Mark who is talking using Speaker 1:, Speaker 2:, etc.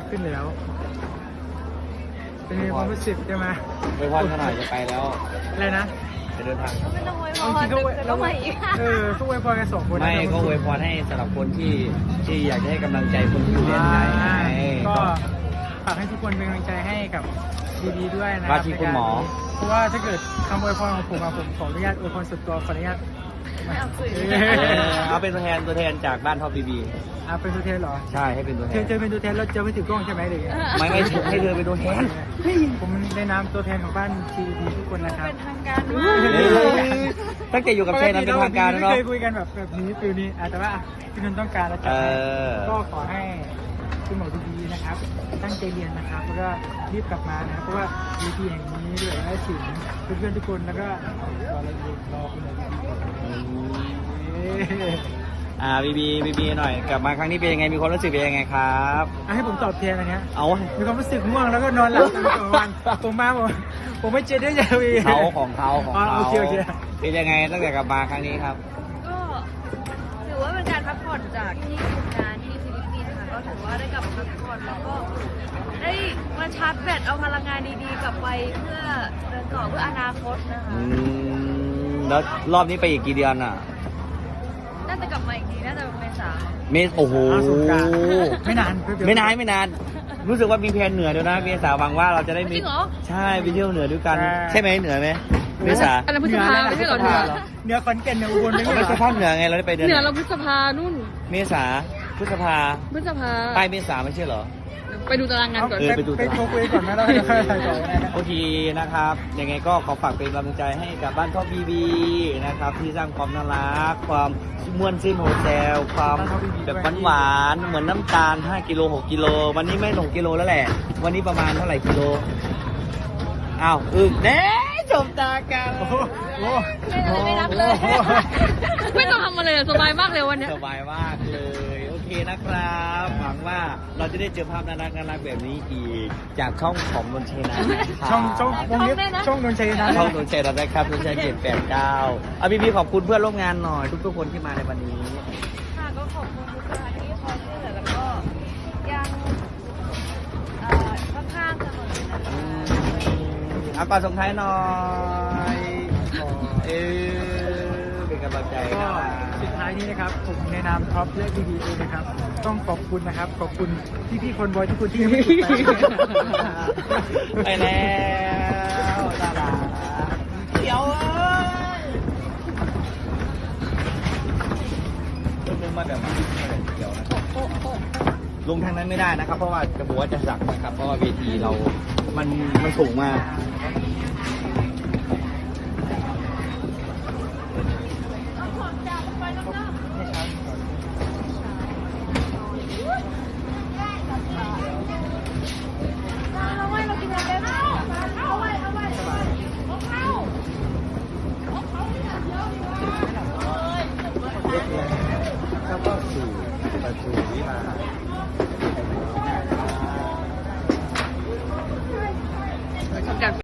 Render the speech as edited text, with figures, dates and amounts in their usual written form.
Speaker 1: ขึ้นแล้วเป็นไงความรู้สึกใช่ไหม
Speaker 2: ไปพรขนาดจะไปแล้ว
Speaker 1: อะไรนะ
Speaker 2: จะเดินทาง
Speaker 3: ก็ไม่ต้องไว้พ
Speaker 1: เอา
Speaker 3: อ
Speaker 1: จริงๆก็
Speaker 3: แต่ก็มาอีก
Speaker 1: ก็อวยพรกันสองคนนะ
Speaker 2: ไม่ก็อวยพรให้สำหรับคนที่อยากจะให้กำลังใจคนที่อยู่เรียนไทยไง
Speaker 1: ก็ฝากให้ทุกคนเป็นกำลังใจให้กับดีๆด้วยนะ
Speaker 2: ว่าที่คุณหมอ
Speaker 1: เพราะว่าถ้าเกิดคำอวยพรของผมผมขออนุญาตอวยพรสุดตัวขออนุญาต
Speaker 3: ไม่เอาสื่อ
Speaker 2: เอาเป็นตัวแทนจากบ้านท็อปบีบี
Speaker 1: เป็นตัวแทนเหรอ
Speaker 2: ใช่ให้เป็นตัวแท
Speaker 1: เธอน เป็นตัวแทนแล้วจะไม่ถือกล้องใช่ไหมหรือไง
Speaker 2: ไม่ให้เธอเป็นตัวแทน
Speaker 1: ผมในนามตัวแทนของบ้านทีวีทุกคนนะครับ
Speaker 3: เป็นทางการมาก
Speaker 2: ตั้งแต่อยู่กับเชนนั้นเป็นทางการแล้วเนาะ
Speaker 1: ไม่เคยคุยกันแบบนี้ฟิลนี้แต่ว่าพี่นนท์ต้องการแล้วก็ขอให้คุณหมอดีๆนะครับตั้งใจเรียนนะครับแล้วก็รีบกลับมานะครับเพราะว่าวีทีแห่งนี้ด้วยได้ถึงเพื่อนๆทุกคนแล้วก็รออะไรอีกรอคุณหมอดีๆ
Speaker 2: บีบีหน่อยกลับมาครั้งนี้เป็นยังไงมีความรู้สึกเป็นยังไงครับ
Speaker 1: ให้ผมตอบแทนอันเนี้ย
Speaker 2: เอา
Speaker 1: มีความรู้สึกง่วงแล้วก็นอนหลับตลอดวันผมมาผมไม่เจอได้ยาวี
Speaker 2: เขาของเขา
Speaker 1: โอเค
Speaker 2: เป็นยังไงตั้งแต่กลับมาครั้งนี้ครับ
Speaker 3: ก็ถือว่าเป็นการพักผ่อนจากที่ทำงานที่ฟิลิปปินส์ค่ะก็ถือว่าได้กลับมาพักผ่อนแล้วก็ได้มาชาร์จแบตเอาพลังงานดีๆกลับไปเพื่อเดินต่อเพื่ออนาคตนะคะ
Speaker 2: แล้วรอบนี้ไปอีกกี่เดือนอ่ะ
Speaker 3: น่าจะกลับมาอีกทีน่าจะเป็นเมษา
Speaker 2: โอ้โห
Speaker 1: ไม่นาน
Speaker 2: ไม่นาน รู้สึกว่ามีแพลนเหนือด้วยนะเมษาหวังว่าเราจะได้
Speaker 3: จ
Speaker 2: มี
Speaker 3: ริงเหรอ
Speaker 2: ใช่ไปเที่ยวเหนือด้วยกัน ใช่ไหมเหนือไหมเมษา
Speaker 4: อันนั้นพฤษภาไม่ใช่เหรอเหนือ
Speaker 1: เหนือขอนแก่นเหนืออุบลไม่
Speaker 2: ไม่
Speaker 1: ใช่
Speaker 2: ใช่ภาคเหนือไงเราได้ไปเดือน
Speaker 4: เหนือเราพฤษภานู่น
Speaker 2: เมษาพฤษภา
Speaker 4: พฤษภา
Speaker 2: ใต้เมษาไม่ใช่เหรอ
Speaker 4: ไปดูตารางงานก่อน
Speaker 1: ไปโทรคุยก่อนนะเราจะค่อยไปต่อ
Speaker 2: โอเคนะครับยังไงก็ขอฝากเป็นกำลังใจให้กับบ้านท็อปบีบีนะครับที่สร้างความน่ารักความม่วนซื่นโฮเทลความแบบหวานๆเหมือนน้ำตาล5กิโล6กิโลวันนี้ไม่6กิโลแล้วแหละวันนี้ประมาณเท่าไหร่กิโลอ้าวแน่จบตากัน
Speaker 3: ไม่นับเลย
Speaker 4: ไม่ต้องทำอะไรเลยสบายมากเลยวันเนี้ย
Speaker 2: สบายมากเลยโอเคนะครับหวังว่าเราจะได้เจอภาพน่ารักแบบนี้อีกจากช่องของนนชัยนะ
Speaker 1: ช่องวงเล็บช่องนนชัยนะ
Speaker 2: ช่องนนชัยนะครับนนชัย789เอาบีบีขอบคุณเพื่อนร่วมงานหน่อยทุกคนที่มาในวันนี้
Speaker 3: ค่ะก็ขอบคุณทุกท่านที่คอยช่วยเหลือแล้วก็ยังข้างๆเสมอนะคะ
Speaker 2: เอาก่อนส่งท้ายหน่อยเป็นกำลังใจ
Speaker 1: ก็
Speaker 2: นะ
Speaker 1: สุดท้ายนี้นะครับผมในนามท็อปและดีๆนะครับต้องขอบคุณนะครับขอบคุณพี่ๆคนบอยทุกคนที่ยังไม่ติดไป
Speaker 2: ไปแล้วตาลาเดี๋ยวลงมาแบบเดี๋ยวนะลงทางนั้นไม่ได้นะครับ เพราะว่าจะบอกว่าจะสั่งนะครับ เพราะว่าเวทีเรามันสูงมากแล้วก็สู่ประตูวิมาน